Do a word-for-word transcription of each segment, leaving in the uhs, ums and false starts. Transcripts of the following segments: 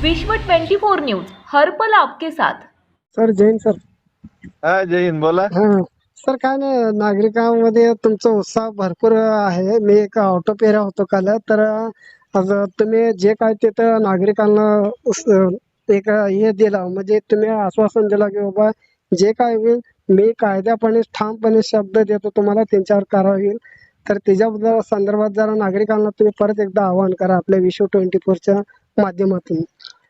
विश्व चोवीस न्यूज हर पल आपके साथ। Sir Jai Hind sir. हा जय हिंद बोला. हा सर, काय नाही, नागरिकांमध्ये तुमचा उत्साह भरपूर आहे. मी एक ऑटो पेरा होतो काल, तर आज तुम्ही जे काय तिथं नागरिकांना उस- एक हे दिला, म्हणजे तुम्ही आश्वासन दिला की बाबा जे काय होईल मी कायद्यापणे ठामपणे शब्द देतो तुम्हाला त्यांच्यावर कारवाई होईल. तर त्याच्याबद्दल संदर्भात जरा नागरिकांना तुम्ही परत एकदा आवाहन करा आपल्या विश्व ट्वेंटी फोरच्या माध्यमातून.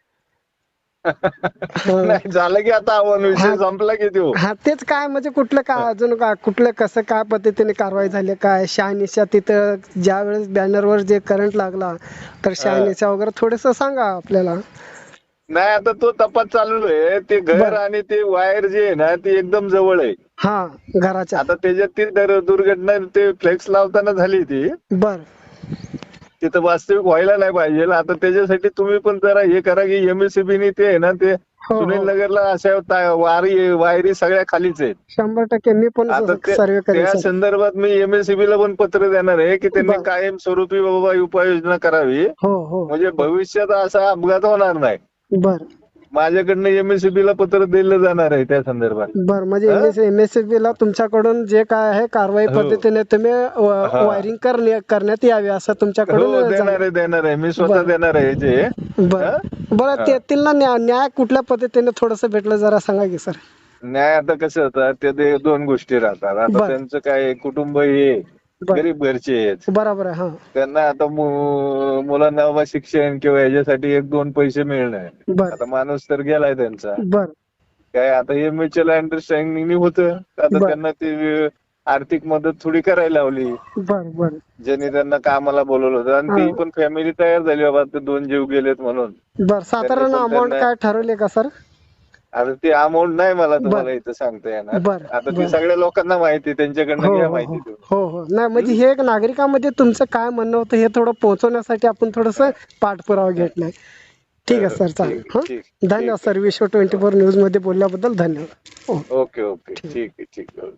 नाही झालं की आता आव्हान विषय संपला की देऊ. हा तेच काय म्हणजे कुठलं काय अजून काय कुठलं कसं काय पद्धतीने कारवाई झाली, काय शहानिशा तिथं ज्या वेळेस बॅनरवर जे करंट लागला तर शहानिशा वगैरे थोडस सांगा आपल्याला. नाही आता तो तपास चालू आहे. ते घर बरं. आणि ते वायर जे आहे ना ते एकदम जवळ आहे. हा घराच्या. आता त्याच्यात ती दर- दुर्घटना ते फ्लेक्स लावताना झाली ती बर तिथं वास्तविक व्हायला नाही पाहिजे. आता त्याच्यासाठी तुम्ही पण जरा हे करा की एमएससीबी ने ते आहे ना ते हो सुनील हो नगरला अशा ता- वारी वायरी सगळ्या खालीच आहेत. शंभर टक्के मी पण आता ते- सर्वे करेन त्या सर. संदर्भात मी एमएससीबी ला पण पत्र देणार आहे की त्यांनी बरं. कायमस्वरूपी बाबा उपाययोजना करावी, हो हो म्हणजे भविष्यात असा अपघात होणार नाही. बर माझ्याकडनं एमएससीबी ला पत्र दिलं जाणार आहे त्या संदर्भात. बर म्हणजे हा? एमएससीबी ला तुमच्याकडून जे काय आहे कारवाई हो. पद्धतीने तुम्ही हा. वायरिंग करण्यात यावी असं हो तुमच्याकडून देणार जाणं- आहे देणार आहे मी स्वतः बरं. देणार आहे जे. बर हा? बरं हा. त्यातील ना न्याय न्याय कुठल्या पद्धतीने थोडस भेटलं जरा सांगा की सर. न्याय आता कसं होतं ते ते दोन गोष्टी राहतात. आता बरं. त्यांचं काय कुटुंब हे बरं. गरीब घरचे आहेत. बरोबर आहे. हा त्यांना आता मु- मुलांना बाबा शिक्षण किंवा याच्यासाठी एक दोन पैसे मिळणार. बर आता माणूस तर गेलाय त्यांचा. बर काय आता हे म्युच्युअल अंडरस्टँडिंग होतं. आता बरं. त्यांना ती आर्थिक मदत थोडी करायला लावली बर बर ज्यांनी त्यांना कामाला बोलवलं होतं. आणि ती हा. पण फॅमिली तयार झाली बाबा ते दोन जीव गेलेत म्हणून. बर साधारण त्यांनी पण अमाऊंट त्यांना- काय ठरवले का सर. आता ते अमाऊंट नाही मला तुम्हाला बरं. इथं सांगता येणार. बरं, आता बरं. ती सगळ्या लोकांना माहिती, त्यांच्याकडनं हो घ्या हो माहिती हो तुम्ही. हो हो नाही म्हणजे हे एक नागरिकांमध्ये तुमचं काय म्हणणं होतं हे थोडं पोहोचवण्यासाठी आपण थोडस पाठपुरावा घेतलाय. ठीक आहे सर, चालेल. ठीक- हा ठीक- धन्यवाद ठीक. सर, विश्व ट्वेंटी फोर न्यूज मध्ये बोलल्याबद्दल धन्यवाद. हो. ओके ओके ठीक आहे ठीक आहे.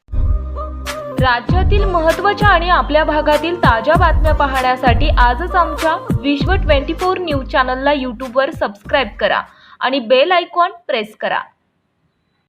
राज्यातील महत्त्वाच्या आणि आपल्या भागातील ताज्या बातम्या पाहण्यासाठी आजच आमच्या विश्व चोवीस न्यूज चॅनलला यूट्यूबवर सबस्क्राईब करा आणि बेल आयकॉन प्रेस करा.